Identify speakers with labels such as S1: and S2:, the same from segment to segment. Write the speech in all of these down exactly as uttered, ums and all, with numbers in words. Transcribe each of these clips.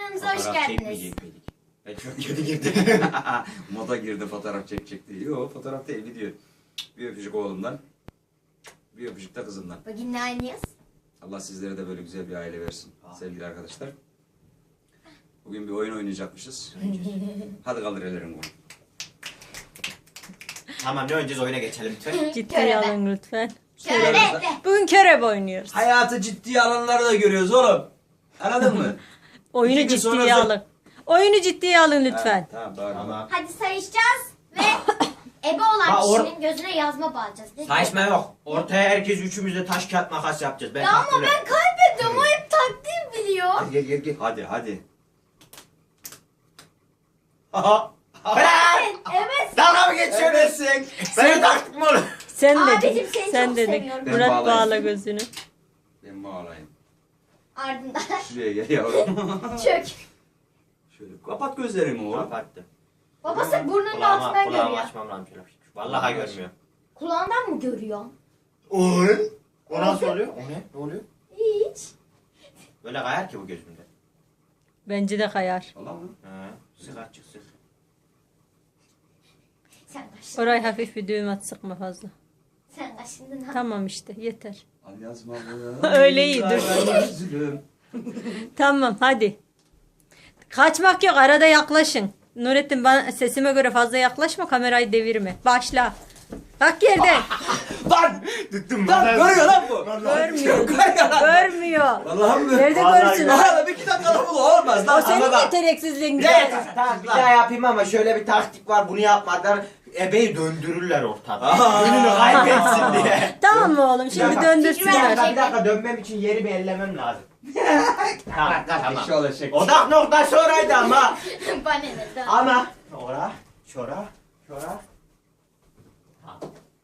S1: Kanalımıza hoş geldiniz.
S2: Ben çok kötü girdim. Moda girdi fotoğraf çekecekti. Yok fotoğraf değil video. Bir öpücük oğlumdan. Bir öpücük de kızımdan.
S1: Bugün ne oynuyoruz?
S2: Allah sizlere de böyle güzel bir aile versin sevgili arkadaşlar. Bugün bir oyun oynayacakmışız. Hadi kaldır ellerini bunu.
S3: Tamam ne oynayacağız, oyuna geçelim lütfen.
S4: Ciddiye alın lütfen.
S1: Şöyle de.
S4: Bugün körebe oynuyoruz.
S2: Hayatı ciddiye alanları da görüyoruz oğlum. Anladın mı?
S4: Oyunu
S2: İki gün sonra
S4: ciddiye
S2: zor-
S4: alın. Oyunu ciddiye alın lütfen.
S2: Ha, tamam doğru.
S3: Tamam.
S1: Hadi sayışacağız ve ebe olan
S3: Ha, or-
S1: kişinin gözüne yazma bağlayacağız. Ne
S3: Saçma yok. Ortaya herkes üçümüz de taş kağıt makas yapacağız. Ben
S1: Ya ama
S3: taktım.
S1: ben kaybediyorum. O hep taktiği biliyor.
S3: Hadi gel gel gel.
S2: Hadi hadi.
S3: Aha.
S1: Evet. Evet.
S3: Dalga mı geçiyorsun?
S2: Ebesin.
S3: Ben taktık mı oğlum?
S4: Sen
S1: Abicim,
S4: dedin.
S1: seni
S4: Sen
S1: çok
S4: dedin.
S1: seviyorum.
S2: Ben
S4: Murat
S2: bağlayayım.
S4: bağla gözünü.
S2: Ben bağlayayım.
S1: Ardından
S2: Şuraya gel yavrum.
S1: çök.
S2: Şöyle kapat gözlerimi oğlum.
S3: Kapattı.
S1: Babası burnunun
S3: Kulağıma,
S1: altından
S3: kulağımı
S1: görüyor.
S3: açmam lazım şöyle. Vallahi görmüyor.
S1: Kulağından mı görüyor?
S3: Oy. O nasıl oluyor? O ne? Ne oluyor?
S1: Hiç.
S3: Böyle kayar ki bu gözümde.
S4: Bence de kayar.
S2: Allah mı?
S3: He. Sık açık sık.
S1: Sen kaşındın.
S4: Orayı hafif bir düğüm at, sıkma fazla.
S1: Sen kaşındın ha.
S4: Tamam işte yeter.
S2: Al yazma
S4: Öyle iyi, dur.
S2: Üzülüm.
S4: Tamam hadi. Kaçmak yok, arada yaklaşın. Nurettin, bana sesime göre fazla yaklaşma, kamerayı devirme. Başla. Bak yerden.
S2: Lan!
S3: Tuttum
S2: Lan görüyor lan bu.
S4: Görmüyor.
S2: Görüyor lan.
S4: Görmüyor.
S2: Vallahi mi?
S4: Nerede
S3: Vallahi
S4: görsün?
S3: gör-
S2: Lan bir iki dakikada bu da olmaz
S4: O
S2: lan.
S4: senin
S3: Ama bak-
S4: yeteneksizliğin.
S3: Evet, tamam bir daha yapayım ama şöyle bir taktik var, bunu yapmadan ebeyi döndürürler ortada.
S2: Aa.
S3: Gününü kaybetsin diye.
S4: Tamam mı oğlum?
S3: Bir
S4: Şimdi
S3: dakika,
S1: bir
S4: döndürsünler.
S1: dakika.
S3: Bir dakika dönmem için yeri bir ellemem lazım. tamam tamam.
S2: Eşi olacak.
S3: Odak noktası oraydı ama.
S1: Bana ne? Tamam.
S3: Ama. Ora, şora, şora. Tamam.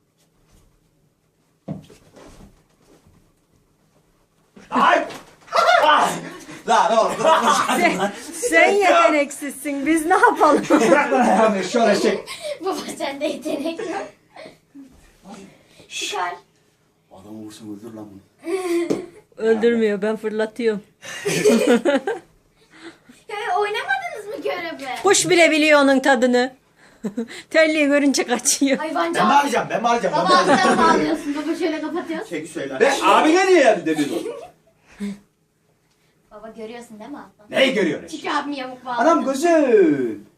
S3: Ay! Ah!
S2: Lan oğlum.
S4: Sen, sen yeteneksizsin. Biz ne yapalım?
S2: Lan eşi olacak.
S1: Baba sende yetenek yok. Çıkar.
S2: Adamı vursun öldür lan bunu.
S4: Öldürmüyor. Ben fırlatıyorum.
S1: Ya oynamadınız mı göreve?
S4: Kuş bile biliyor onun tadını. Terliği görünce kaçıyor.
S1: Hayvancı.
S3: Ben mi alacağım? Ben mi alacağım?
S1: Baba
S3: Ben mi alacağım?
S1: alttan bağlıyorsun. Baba şöyle kapatıyorsun.
S3: Çeki söyle.
S2: Be abine niye yani demiyorsun?
S1: Baba görüyorsun değil mi alttan?
S2: Neyi görüyorsun?
S1: Çünkü abim yamuk bağladı.
S2: Anam gözün.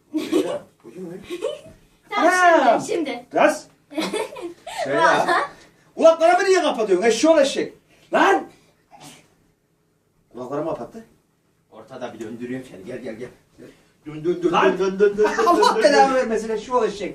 S1: Tamam
S2: Anam.
S1: şimdi. Şimdi.
S2: Gaz. Şey ya. Kulaklarımı niye kapatıyorsun? Eşi olacak. Lan. Kulaklarımı kapattı.
S3: Ortada bir döndürüyorum seni. Gel gel gel. Dön dön dön
S2: Lan.
S3: dön dön dön dön.
S2: Allah
S3: dön,
S2: belanı
S3: dön.
S2: vermesin eşi olacak.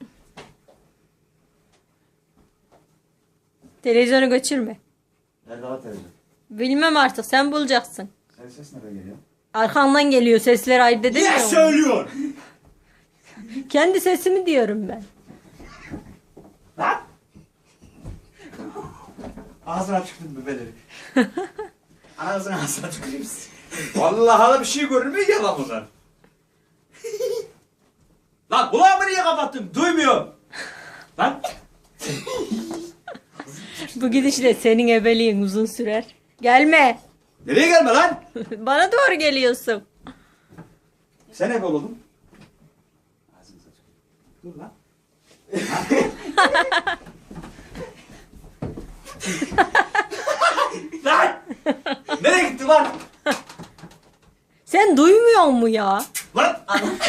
S4: Televizyonu götürme.
S2: Nerede lan televizyon?
S4: Bilmem artık, sen bulacaksın.
S2: Senin ses nereden geliyor?
S4: Arkandan geliyor, sesler ayırt edemiyor
S3: Niye
S4: musun?
S3: söylüyorsun?
S4: Kendi sesimi diyorum ben.
S2: Lan. Ağzına tükürdün bebeleri. Anasını ağzına tüküreyim. Vallahi da bir şey görünmüyor ya lan bunlar. Lan kulağımı niye kapattın? Duymuyorum. Lan.
S4: Bu gidişle senin ebeliğin uzun sürer. Gelme.
S2: Nereye gelme lan?
S4: Bana doğru geliyorsun.
S2: Sen ebe oldun. Ağzını tüküreyim. Dur lan. Lan! Nereye gitti lan?
S4: Sen duymuyor mu ya?
S2: Lan!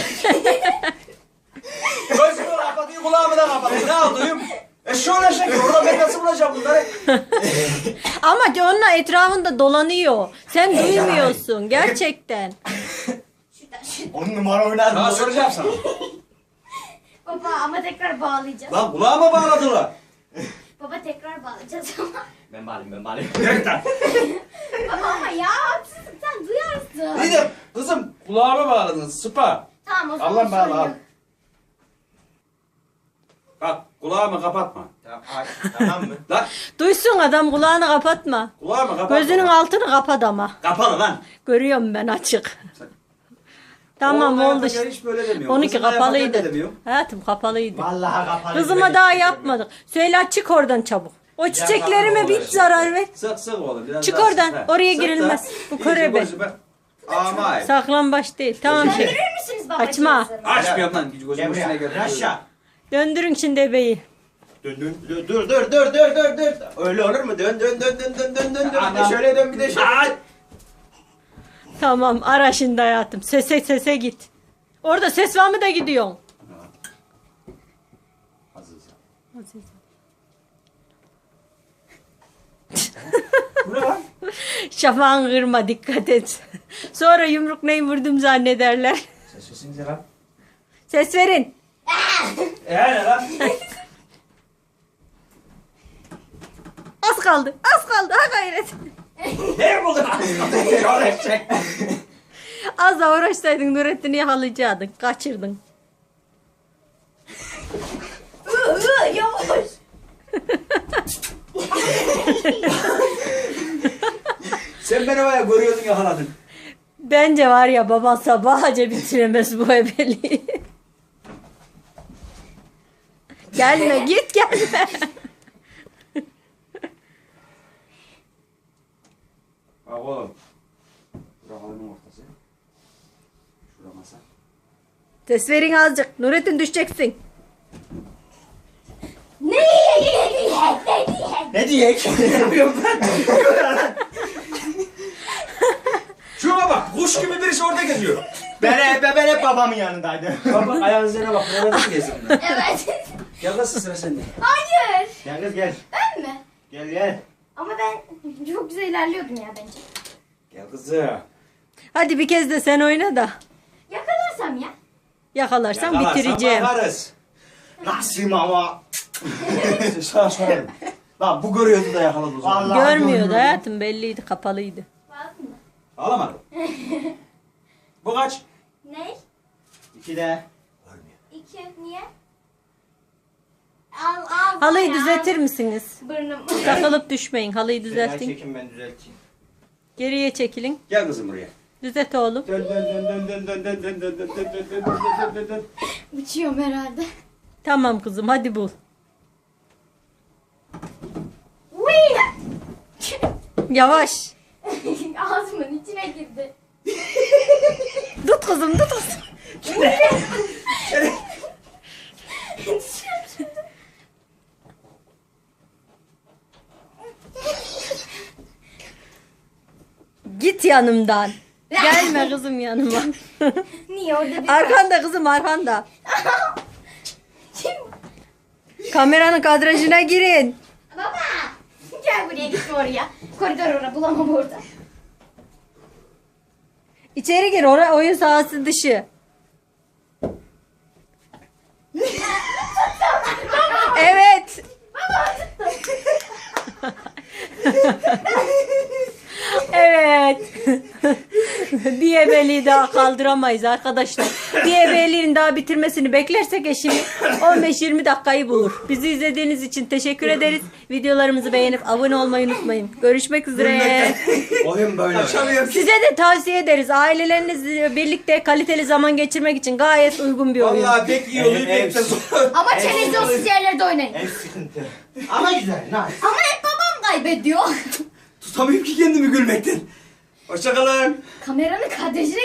S2: Gözümü kapatıyor, kulağımı da kapatıyor. Ne yapayım? E şöyle şekil, orada ben nasıl bulacağım bunları?
S4: Ama ki onunla etrafında dolanıyor. Sen duymuyorsun gerçekten.
S1: Şuradan şuradan.
S3: On numara oynar
S2: Sana
S3: mı?
S2: soracağım sana.
S1: Baba ama tekrar bağlayacağız.
S2: Lan kulağıma bağladılar.
S1: Baba tekrar bağlayacağız ama.
S3: Ben bağlayayım ben bağlayayım.
S2: Gerçekten.
S1: Baba ama ya haksızlık sen duyarsın.
S2: İyi de kızım kulağıma bağladınız, sıpa.
S1: Tamam o zaman
S2: Allah bağla
S1: sorun
S2: al.
S1: yok.
S2: Bak kulağımı kapatma.
S3: Tamam, ay, tamam mı?
S2: Lan
S4: Duysun adam, kulağını kapatma.
S2: kulağımı kapatma.
S4: Gözünün altını kapat ama.
S2: Kapalı lan.
S4: Görüyorum ben açık. Tamam
S2: Oğlum,
S4: oldu.
S2: yaparken hiç böyle demiyor.
S4: Onunki
S2: Kızımla yaparken de
S4: kapalıydı.
S2: demiyor.
S4: Hayatım kapalıydı.
S3: Vallahi kapalı.
S4: Kızıma daha yapmadık. Söyle, çık oradan çabuk. O çiçeklerime bir zarar ver.
S2: Sık sık oğlum. Biraz
S4: Çık
S2: daha
S4: oradan,
S2: sık, ha.
S4: oraya
S2: Sık
S4: girilmez.
S2: da.
S4: Bu
S2: İyice
S4: körebe.
S2: gözüme- Ama
S4: Saklambaç değil. Tamam şimdi.
S1: Döndürür müsünüz babacığım?
S4: Açma.
S2: açmıyorum lan. Gözümün
S3: Gel
S2: üstüne
S3: buraya.
S2: geldi.
S3: Aşağı.
S4: Döndürün şimdi ebeyi.
S3: Dön dön dur dur dur dur dur dur dur. Öyle olur mu? Dön dön dön dön dön dön dön. Bir de
S2: Anam.
S3: şöyle dön bir de şöyle.
S2: Ay!
S4: Tamam ara şimdi hayatım. Sese sese git. Orada ses var mı da gidiyorsun?
S2: Azize.
S3: Bu ne lan?
S4: Şafağın kırma dikkat et. Sonra yumruk neyi vurdum zannederler.
S3: Ses sesinize lan.
S4: Ses verin.
S3: Eee ne lan?
S4: Az kaldı. Az kaldı. Ha gayret.
S3: Ne buldun? Öğretecek.
S4: Az da uğraşsaydın Nurettin'i yakalayacaktın. Kaçırdın.
S1: Iı, ıı, yavaş.
S2: Sen beni var ya görüyordun yakaladın.
S4: Bence var ya baban sabahca bitiremez bu ebeliği. Gelme git gelme.
S2: Bak oğlum. Bura halının ortası. Şura masa.
S4: Ses verin azıcık. Nurettin düşeceksin.
S1: Ne diye ne diye ne diye.
S3: Ne diyek? Ne yapıyorum ben?
S2: Şuna bak. Kuş gibi birisi orada geziyor.
S3: Ben hep, ben hep babamın yanındaydım.
S2: Bak bak ayağın üzerine bak. Nereden geziyor?
S1: Evet.
S2: Gel nasıl sıra sende?
S1: Hayır.
S3: Gel kız gel.
S1: Ben mi?
S3: Gel gel.
S1: Ama ben çok güzel ilerliyordum ya bence.
S2: Gel kızım.
S4: Hadi bir kez de sen oyna da.
S1: Yakalarsam ya.
S4: Yakalarsan
S2: Yakalarsan
S4: bitireceğim.
S2: bakarız.
S3: Nasıl ama?
S5: Sana sorarım. Lan bu görüyordu da yakaladı o zaman.
S3: Vallahi
S4: Görmüyordu
S3: görmüyorum.
S4: hayatım belliydi kapalıydı.
S1: Baktın mı?
S2: Ağlamadım. Bu kaç?
S1: Ne?
S3: İki de.
S1: İki. Niye? Al al.
S4: Halıyı
S1: ya.
S4: düzeltir misiniz?
S1: Burnum.
S4: Takılıp düşmeyin. Halıyı
S3: Düzeltin.
S4: düzeltin.
S3: Çekin ben düzelteyim.
S4: Geriye çekilin.
S2: Gel kızım buraya.
S4: Düzelt oğlum.
S2: Dön dön dön dön dön dön dön dön dön dön dön dön dön dön dön dön.
S1: Uçuyorum herhalde.
S4: Tamam kızım hadi bul.
S1: Uy!
S4: Yavaş.
S1: Ağzımın içine girdi.
S4: Tut kızım tut kızım. Git yanımdan. Gelme kızım yanıma.
S1: Niye orada bir...
S4: Arkanda kızım arkanda.
S1: Kim?
S4: Kameranın kadrajına girin.
S1: Baba! Gel buraya gitme oraya. Koridor orada bulamam orada.
S4: İçeri gir oraya oyun sahası dışı. Evet. Evet. Bir ebeliği daha kaldıramayız arkadaşlar. Bir ebeliğin daha bitirmesini beklersek eşim on beş yirmi dakikayı bulur. Bizi izlediğiniz için teşekkür ederiz. Videolarımızı beğenip abone olmayı unutmayın. Görüşmek üzere.
S3: Oyun böyle.
S5: Açamıyorum.
S4: Size de tavsiye ederiz. Ailelerinizle birlikte kaliteli zaman geçirmek için gayet uygun bir oyun.
S2: Vallahi pek iyi oluyor
S3: Evet,
S2: pek de
S3: evet.
S2: zor.
S1: Ama televizyonsuz yerlerde oynayın.
S3: En sıkıntı. Ama güzel. Nice.
S1: Ama hep babam kaybediyor.
S2: Tutamıyorum ki kendimi gülmekten. Hoşçakalın.
S1: Kameranın kadrajına